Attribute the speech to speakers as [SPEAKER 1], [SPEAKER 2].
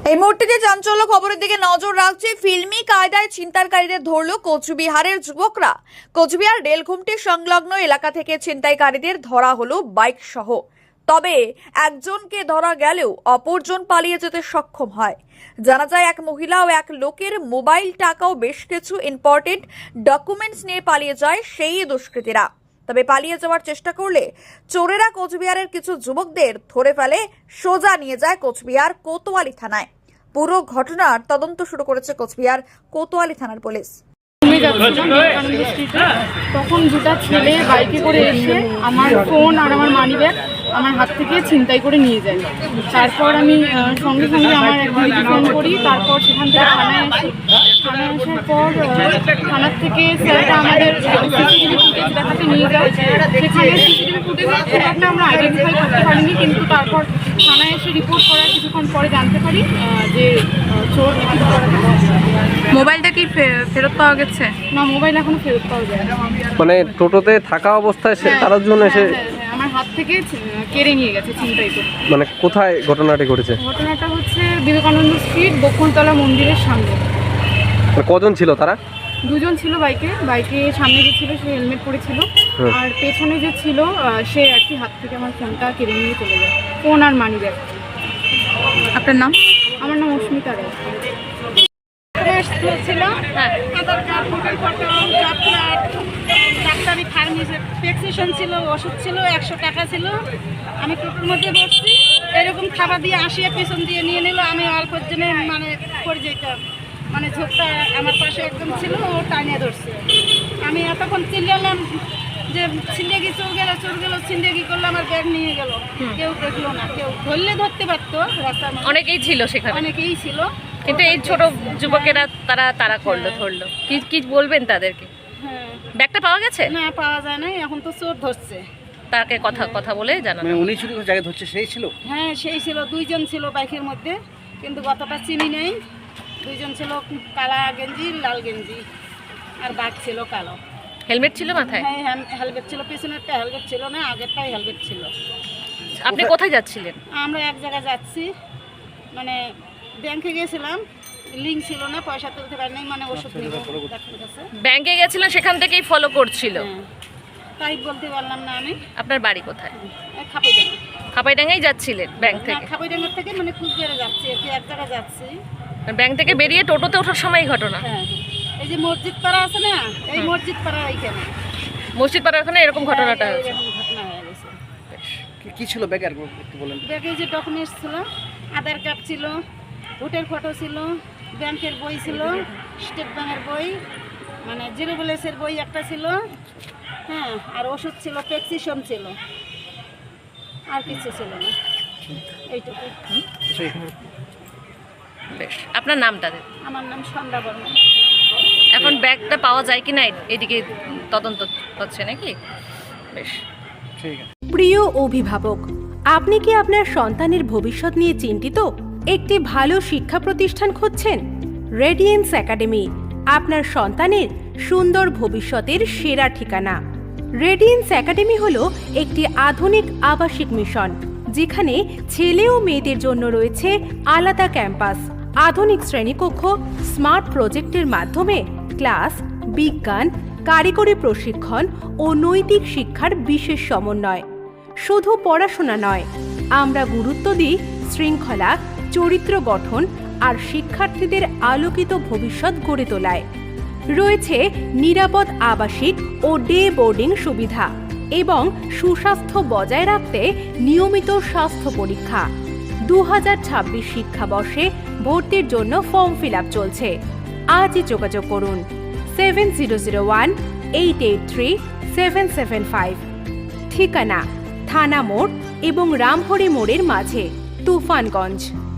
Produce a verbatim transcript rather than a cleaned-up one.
[SPEAKER 1] এই মুহূর্তে যে চাঞ্চল্য খবরের দিকে নজর রাখছে, ফিল্মি কায়দায় ছিনতাইকারীদের ধরল কোচবিহারের যুবকরা। কোচবিহার রেলঘুমটি সংলগ্ন এলাকা থেকে ছিনতাইকারীদের ধরা হলো বাইক সহ। তবে একজনকে ধরা গেলেও অপরজন পালিয়ে যেতে সক্ষম হয়। জানা যায়, এক মহিলা ও এক লোকের মোবাইল, টাকা ও বেশ কিছু ইম্পর্টেন্ট ডকুমেন্টস নিয়ে পালিয়ে যায় সেই দুষ্কৃতীরা। তবে পালিয়ে যাওয়ার চেষ্টা করলে চোরেরা কোচবিহারের কিছু যুবকদের ধরে ফেলে, সোজা নিয়ে যায় কোচবিহার কোতোয়ালি থানায়। পুরো ঘটনার তদন্ত শুরু করেছে কোচবিহার কোতোয়ালি থানার পুলিশ।
[SPEAKER 2] তখন দুটা ছেলে বাইকে করে এসে আমার ফোন আর আমার মানি ব্যাগ আমার হাত থেকে ছিনতাই করে নিয়ে যায়। তারপর আমি সঙ্গে সঙ্গে আমার এক দিদিকে ফোন করি। তারপর সেখান থেকে থানায় আসি। থানায় আসার পর থানার থেকে স্যারটা আমাদের সিসিটিভি ফুটেজ দেখাতে নিয়ে যায়। সেখানে সিসিটিভি ফুটেজে খুব একটা আমরা আইডেন্টিফাই করতে পারিনি, কিন্তু তারপর থানায় এসে রিপোর্ট করার কিছুক্ষণ পরে জানতে পারি যে চোর।
[SPEAKER 3] মোবাইলটা কি ফেরত পাওয়া গেছে?
[SPEAKER 2] না, মোবাইল এখনো ফেরত পাওয়া যায় না।
[SPEAKER 4] মানে টোটোতে থাকা অবস্থায় সে তার জন্য এসে
[SPEAKER 2] আমার হাত থেকে কেড়ে নিয়ে গেছে ছিনতাই করে।
[SPEAKER 4] মানে কোথায় ঘটনাটি ঘটেছে?
[SPEAKER 2] ঘটনাটা হচ্ছে বিবেকানন্দ স্ট্রিট, বকুলতলা মন্দিরের সামনে।
[SPEAKER 4] কজন ছিল তারা?
[SPEAKER 2] দুজন ছিল বাইকে। বাইকে সামনে যে ছিল সে হেলমেট পরেছিল, আর পেছনে যে ছিল সে আর কি হাত থেকে আমার ফোনটা কেড়ে নিয়ে চলে যায়, ফোন আর মানি ব্যাগ।
[SPEAKER 3] আপনার নাম?
[SPEAKER 2] আমার নাম অস্মিতা রায়। ছিল Aadhaar card, voter photo, job card, ডাক্তারি ফার্মেসি প্রেসক্রিপশন ছিল, ওষুধ ছিল, একশো টাকা ছিল। আমি টোটোর মধ্যে বসছি, এরকম খাবার দিয়ে আসিয়ে পেছন দিয়ে নিয়ে নিল। আমি অল্পের জন্য মানে পড়ে যেতাম, মানে ঝোঁকটা আমার পাশে একদম ছিল, ও টানিয়ে ধরছে। আমি এতক্ষণ চিল্লালাম যে ছিন্দেগি চোর গেল, চোর গেল, ছিন্দেগি করলো, আমার ব্যাগ নিয়ে গেল। কেউ দেখলো না, কেউ ধরলে ধরতে পারতো, রাস্তার
[SPEAKER 3] অনেকেই ছিল সেখানে,
[SPEAKER 2] অনেকেই ছিল,
[SPEAKER 3] কিন্তু এই ছোট যুবকেরা তারা তারা করলো, ধরলো। কি কি বলবেন তাদেরকে?
[SPEAKER 2] হ্যাঁ,
[SPEAKER 3] ব্যাগটা পাওয়া গেছে?
[SPEAKER 2] না, পাওয়া যায় না, এখন তো চোর ধরছে।
[SPEAKER 3] তাকে কথা কথা বলে জানানো।
[SPEAKER 5] মানে উনি শুধু জায়গায় ধরছে, সেই ছিল?
[SPEAKER 2] হ্যাঁ, সেই ছিল। দুইজন ছিল বাইকের মধ্যে, কিন্তু গতটা চিনি নেই। দুইজন ছিল, কালা গেঞ্জি, লাল গেঞ্জি, আর বাঘ ছিল কালো।
[SPEAKER 3] হেলমেট ছিল মাথায়?
[SPEAKER 2] হ্যাঁ, হেলমেট ছিল। পেছনেরটা হেলমেট ছিল না, আগেরটাই হেলমেট ছিল।
[SPEAKER 3] আপনি কোথায় যাচ্ছিলেন?
[SPEAKER 2] আমরা এক জায়গায় যাচ্ছি, মানে ব্যাংকে গেছিলাম, লিঙ্ক ছিল না, পয়সা তুলতে পারি নাই, মানে ওষুধ নিব ডাক্তারের কাছে।
[SPEAKER 3] ব্যাংকে গেছিলেন, সেখান থেকেই ফলো করছিল?
[SPEAKER 2] হ্যাঁ, তাই বলতে পারলাম না আমি।
[SPEAKER 3] আপনার বাড়ি কোথায়?
[SPEAKER 2] খাপাইডাঙ্গা।
[SPEAKER 3] খাপাইডাঙ্গাই যাচ্ছিলেন ব্যাংক থেকে?
[SPEAKER 2] খাপাইডাঙ্গার থেকে মানে কুচবিহারে যাচ্ছি, আর কি এক জায়গায় যাচ্ছি।
[SPEAKER 3] ব্যাংক থেকে বেরিয়ে টোটোতে ওঠার সময় ঘটনা?
[SPEAKER 2] হ্যাঁ, এই যে মসজিদ পাড়া আছে না, এই মসজিদ পাড়া এইখানে,
[SPEAKER 3] মসজিদ পাড়ার ওখানে এরকম ঘটনাটা হয়েছে?
[SPEAKER 2] এরকম ঘটনা হয়ে গেছে।
[SPEAKER 5] কি ছিল ব্যাগে, আর একটু বলেন।
[SPEAKER 2] ব্যাগে যে ডকুমেন্টস ছিল, আধার কার্ড ছিল, ভোটের ফটো ছিল, ব্যাংকের বই ছিল, স্টেট ব্যাংকের বই, মানে জিরো ব্যালেন্সের বই একটা ছিল, হ্যাঁ, আর ওষুধ ছিল, প্রেসক্রিপশন ছিল, আর কিছু ছিল না, এইটুকু।
[SPEAKER 3] বেশ, আপনার নামটা?
[SPEAKER 2] আমার নাম সন্ধ্যা বর্মন।
[SPEAKER 3] এখন ব্যাগটা পাওয়া যায় কি না এদিকে তদন্ত হচ্ছে নাকি? বেশ,
[SPEAKER 5] ঠিক আছে।
[SPEAKER 6] প্রিয় অভিভাবক, আপনি কি আপনার সন্তানের ভবিষ্যৎ নিয়ে চিন্তিত? একটি ভালো শিক্ষা প্রতিষ্ঠান খুঁজছেন? রেডিয়েন্স একাডেমি আপনার সন্তানের সুন্দর ভবিষ্যতের সেরা ঠিকানা। রেডিয়েন্স একাডেমি হলো একটি আধুনিক আবাসিক মিশন, যেখানে ছেলে ও মেয়েদের জন্য রয়েছে আলাদা ক্যাম্পাস, আধুনিক শ্রেণীকক্ষ, স্মার্ট প্রজেক্টের মাধ্যমে ক্লাস, বিজ্ঞান, কারিগরি প্রশিক্ষণ ও নৈতিক শিক্ষার বিশেষ সমন্বয়। শুধু পড়াশোনা নয়, আমরা গুরুত্ব দিই শৃঙ্খলা, চরিত্র গঠন আর শিক্ষার্থীদের আলোকিত ভবিষ্যৎ গড়ে তোলায়। রয়েছে নিরাপদ আবাসিক ও ডে বোর্ডিং সুবিধা এবং সুস্বাস্থ্য বজায় রাখতে নিয়মিত স্বাস্থ্য পরীক্ষা। দু হাজার ছাব্বিশ শিক্ষাবর্ষে ভর্তির জন্য ফর্ম ফিল আপ চলছে। আজই যোগাযোগ করুন seven zero zero one eight eight three seven seven five. ঠিকানা থানা মোড় এবং রামহরি মোড়ের মাঝে, তুফানগঞ্জ।